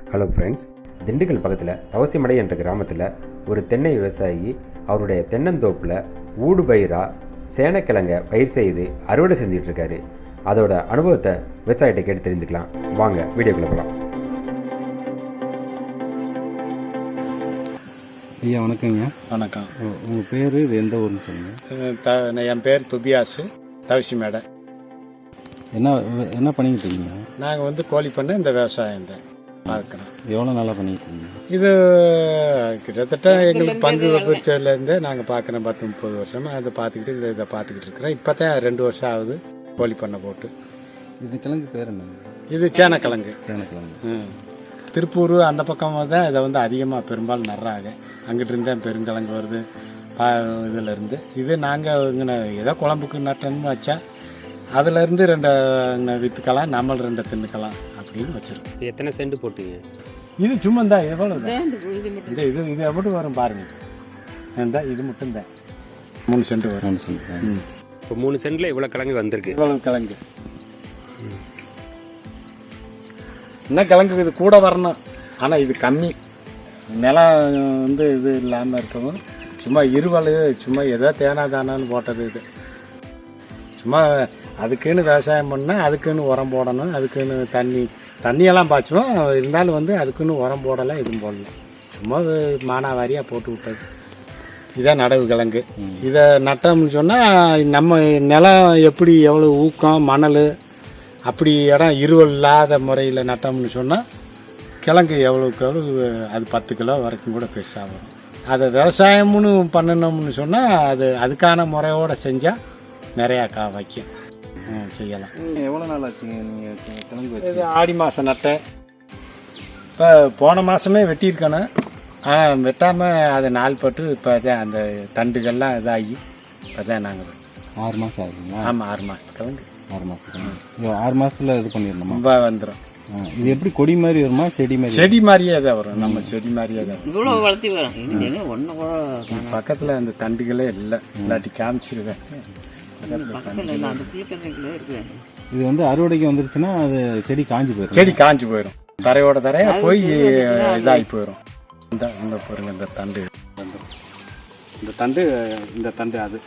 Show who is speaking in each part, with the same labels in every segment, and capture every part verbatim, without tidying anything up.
Speaker 1: Hello friends, Dindigul பக்கத்தில் தவசிமடை என்ற கிராமத்தில் ஒரு தென்னை விவசாயி அவருடைய தென்னந்தோப்பில் ஊடுபயிராக சேனக்கிழங்க பயிர் செய்து அறுவடை செஞ்சுட்டு இருக்காரு. அதோட அனுபவத்தை விவசாயிட்ட கேட்டு தெரிஞ்சுக்கலாம். வாங்க வீடியோக்குள்ள போகலாம்.
Speaker 2: ஐயா வணக்கங்க.
Speaker 3: வணக்கம்.
Speaker 2: உங்கள் பேர் இது எந்த ஊர்னு சொல்லுங்கள்.
Speaker 3: த என் பேர் துபியாசு, தவசி மேடை.
Speaker 2: என்ன என்ன பண்ணிக்கிட்டு இருக்கீங்க?
Speaker 3: நாங்கள் வந்து கோழி பண்ண இந்த விவசாயம் தான் பார்க்குறோம்.
Speaker 2: எவ்வளோ நாளாக பண்ணிக்கிட்டு இருக்கீங்க?
Speaker 3: இது கிட்டத்தட்ட எங்களுக்கு பங்கு பிரிச்சதுலேருந்து நாங்கள் பார்க்குறோம். பத்து முப்பது வருஷமாக அதை பார்த்துக்கிட்டு இதை இதை பார்த்துக்கிட்டு இருக்கிறோம். இப்போ தான் ரெண்டு வருஷம் ஆகுது கோழி பண்ணை போட்டு.
Speaker 2: இது கிழங்கு பேர் என்ன?
Speaker 3: இது சேனக்கிழங்கு.
Speaker 2: சேனக்கிழங்கு.
Speaker 3: ம் திருப்பூர் அந்த பக்கமாக தான் இதை வந்து அதிகமாக பெரும்பாலும் நடுறாங்க. அங்கிட்டு இருந்தால் பெருங்கிழங்கு வருது பா இதிலேருந்து. இது நாங்கள் இங்கே ஏதோ குழம்புக்கு நட்டணும்னு வச்சா அதுலேருந்து ரெண்டு விற்றுக்கலாம், நம்மள ரெண்டு தின்னுக்கலாம் அப்படின்னு வச்சுருக்கோம்.
Speaker 1: எத்தனை சென்ட் போட்டீங்க?
Speaker 3: இது சும்மா தான் எவ்வளோ இந்த இது இது மட்டும் வரும் பாருங்கள். இந்த இது மட்டும் தான் மூணு சென்ட் வரும்.
Speaker 2: மூணு சென்ட்.
Speaker 1: இப்போ மூணு சென்டில் இவ்வளோ கிழங்கு வந்திருக்கு.
Speaker 3: இவ்வளோ கிழங்கு இன்னும் கிழங்கு இது கூட வரணும். ஆனால் இது கம்மி. நிலம் வந்து இது இல்லாமல் இருக்கவும் சும்மா இருவல் சும்மா ஏதோ தேனா தானான்னு போட்டது. இது சும்மா அதுக்குன்னு விவசாயம் பண்ணால் அதுக்குன்னு உரம் போடணும், அதுக்குன்னு தண்ணி தண்ணியெல்லாம் பாய்ச்சுவோம். இருந்தாலும் வந்து அதுக்குன்னு உரம் போடலாம், எதுவும் போடலாம். சும்மா மானாவாரியாக போட்டு விட்டது. இதான் நடவு கிழங்கு. இதை நட்டோம்னு சொன்னால் நம்ம நிலம் எப்படி எவ்வளோ ஊக்கம் மணல் அப்படி இடம் இருவல் இல்லாத முறையில் நட்டோம்னு சொன்னால் கிழங்கு எவ்வளோக்கு எவ்வளோ அது பத்து கிலோ வரைக்கும் கூட பெருசாக வரும். அதை விவசாயம்னு பண்ணணும்னு சொன்னால் அது அதுக்கான முறையோடு செஞ்சால் நிறையா கா வைக்கும் செய்யலாம்.
Speaker 2: எவ்வளோ நாள் ஆச்சுங்க நீங்கள் கிழங்கு வச்சு?
Speaker 3: இது ஆடி மாதம் நட்டேன். இப்போ போன மாதமே வெட்டியிருக்கணும். ஆனால் வெட்டாமல் அதை நாள் பட்டு இப்போ தான் அந்த தண்டுகள்லாம் இதாகி இப்போ தான் நாங்கள்
Speaker 2: ஆறு மாதம் ஆகுதுங்களா?
Speaker 3: ஆமாம், ஆறு மாதத்துக்கு கிழங்கு.
Speaker 2: ஆறு மாதத்துக்கு ஆறு மாதத்தில் இது பண்ணிடணுமா?
Speaker 3: ரொம்ப வந்துடும்.
Speaker 2: இது எப்படி கொடி மாதிரி வருமா செடி மாதிரி?
Speaker 3: செடி மாதிரியே தான் வரும். நம்ம செடி மாதிரியே தான் வரும்.
Speaker 4: இவ்வளோ வளர்த்தி வரும். ஒன்று
Speaker 3: பக்கத்தில் அந்த தண்டுகளே இல்லை, இல்லாட்டி காமிச்சிருவேன்.
Speaker 2: இது வந்து அறுவடைக்கு வந்துருச்சுன்னா அது செடி காஞ்சி போயிடும்.
Speaker 3: செடி காஞ்சி போயிடும். தரையோட தரையா போய் இதாகி போயிடும். இந்த இந்த பாருங்க, இந்த தண்டு இந்த தண்டு இந்த தண்டு அது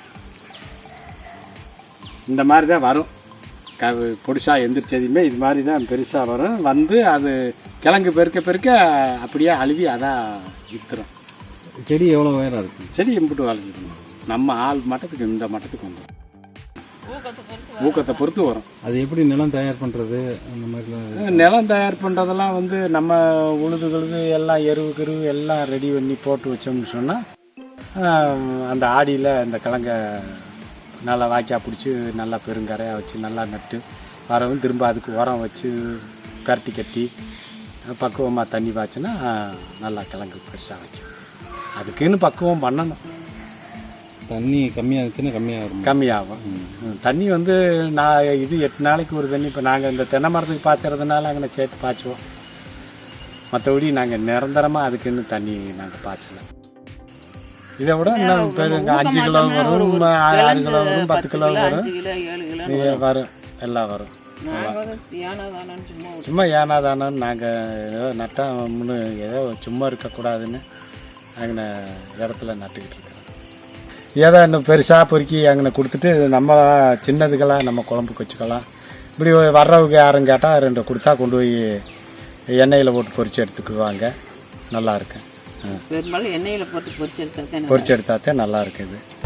Speaker 3: இந்த மாதிரி தான் வரும். க பொடிசாக எந்திரிச்சதுமே இது மாதிரி தான் பெருசாக வரும். வந்து அது கிழங்கு பெருக்க பெருக்க அப்படியே அழுவி அதான் விற்றுரும்.
Speaker 2: செடி எவ்வளோ உயரம் இருக்குது?
Speaker 3: செடி எம்பிட்டு வளர்ந்துடும். நம்ம ஆள் மட்டத்துக்கு இந்த மட்டத்துக்கு வந்துடும். ஊக்கத்தை பொறுத்து வரும்.
Speaker 2: அது எப்படி நிலம் தயார் பண்ணுறது அந்த மாதிரிலாம்?
Speaker 3: நிலம் தயார் பண்ணுறதெல்லாம் வந்து நம்ம உழுது கழுது எல்லாம் எருவு கருவு எல்லாம் ரெடி பண்ணி போட்டு வச்சோம்னு சொன்னால் அந்த ஆடியில் இந்த கிழங்க நல்லா வாய்க்கா பிடிச்சி நல்லா பெருங்கரையாக வச்சு நல்லா நட்டு வரவும் திரும்ப அதுக்கு உரம் வச்சு பரட்டி கட்டி பக்குவமாக தண்ணி பாய்ச்சினா நல்லா கிழங்கு பெருசாக வைக்கும். அதுக்குன்னு பக்குவம் பண்ணணும்.
Speaker 2: தண்ணி கம்மியாகிடுச்சுன்னா கம்மியாகும்.
Speaker 3: கம்மியாகும். தண்ணி வந்து நான் இது எட்டு நாளைக்கு ஒரு தண்ணி. இப்போ நாங்கள் இந்த தென்னை மரத்துக்கு பாய்ச்சறதுனால அங்கே சேர்த்து பாய்ச்சுவோம். மற்றபடி நாங்கள் நிரந்தரமாக அதுக்குன்னு தண்ணி நாங்கள் பாய்ச்சலை. இதை விட இன்னும் பெருங்க அஞ்சு கிலோ வரும், ஆறு கிலோ வரும், பத்து கிலோ வரும், வரும் எல்லாம் வரும். சும்மா ஏனாதானு நாங்கள் ஏதோ நட்டோம்னு ஏதோ சும்மா இருக்கக்கூடாதுன்னு அங்கே இடத்துல நட்டுக்கிட்டு இருக்கிறோம். ஏதோ இன்னும் பெருசாக பொறுக்கி அங்கே கொடுத்துட்டு நம்ம சின்னதுக்கெல்லாம் நம்ம குழம்புக்கு வச்சுக்கலாம். இப்படி வர்றவங்க யாரும் கேட்டால் ரெண்டு கொடுத்தா கொண்டு போய் எண்ணெயில் போட்டு பொரிச்சு எடுத்துக்குவாங்க. நல்லா இருக்கு.
Speaker 4: பெரும்பாலும் எண்ணெயில் போட்டு பொரிச்சு எடுத்தால்
Speaker 3: பொரிச்சு எடுத்தால் தான் நல்லா இருக்குது.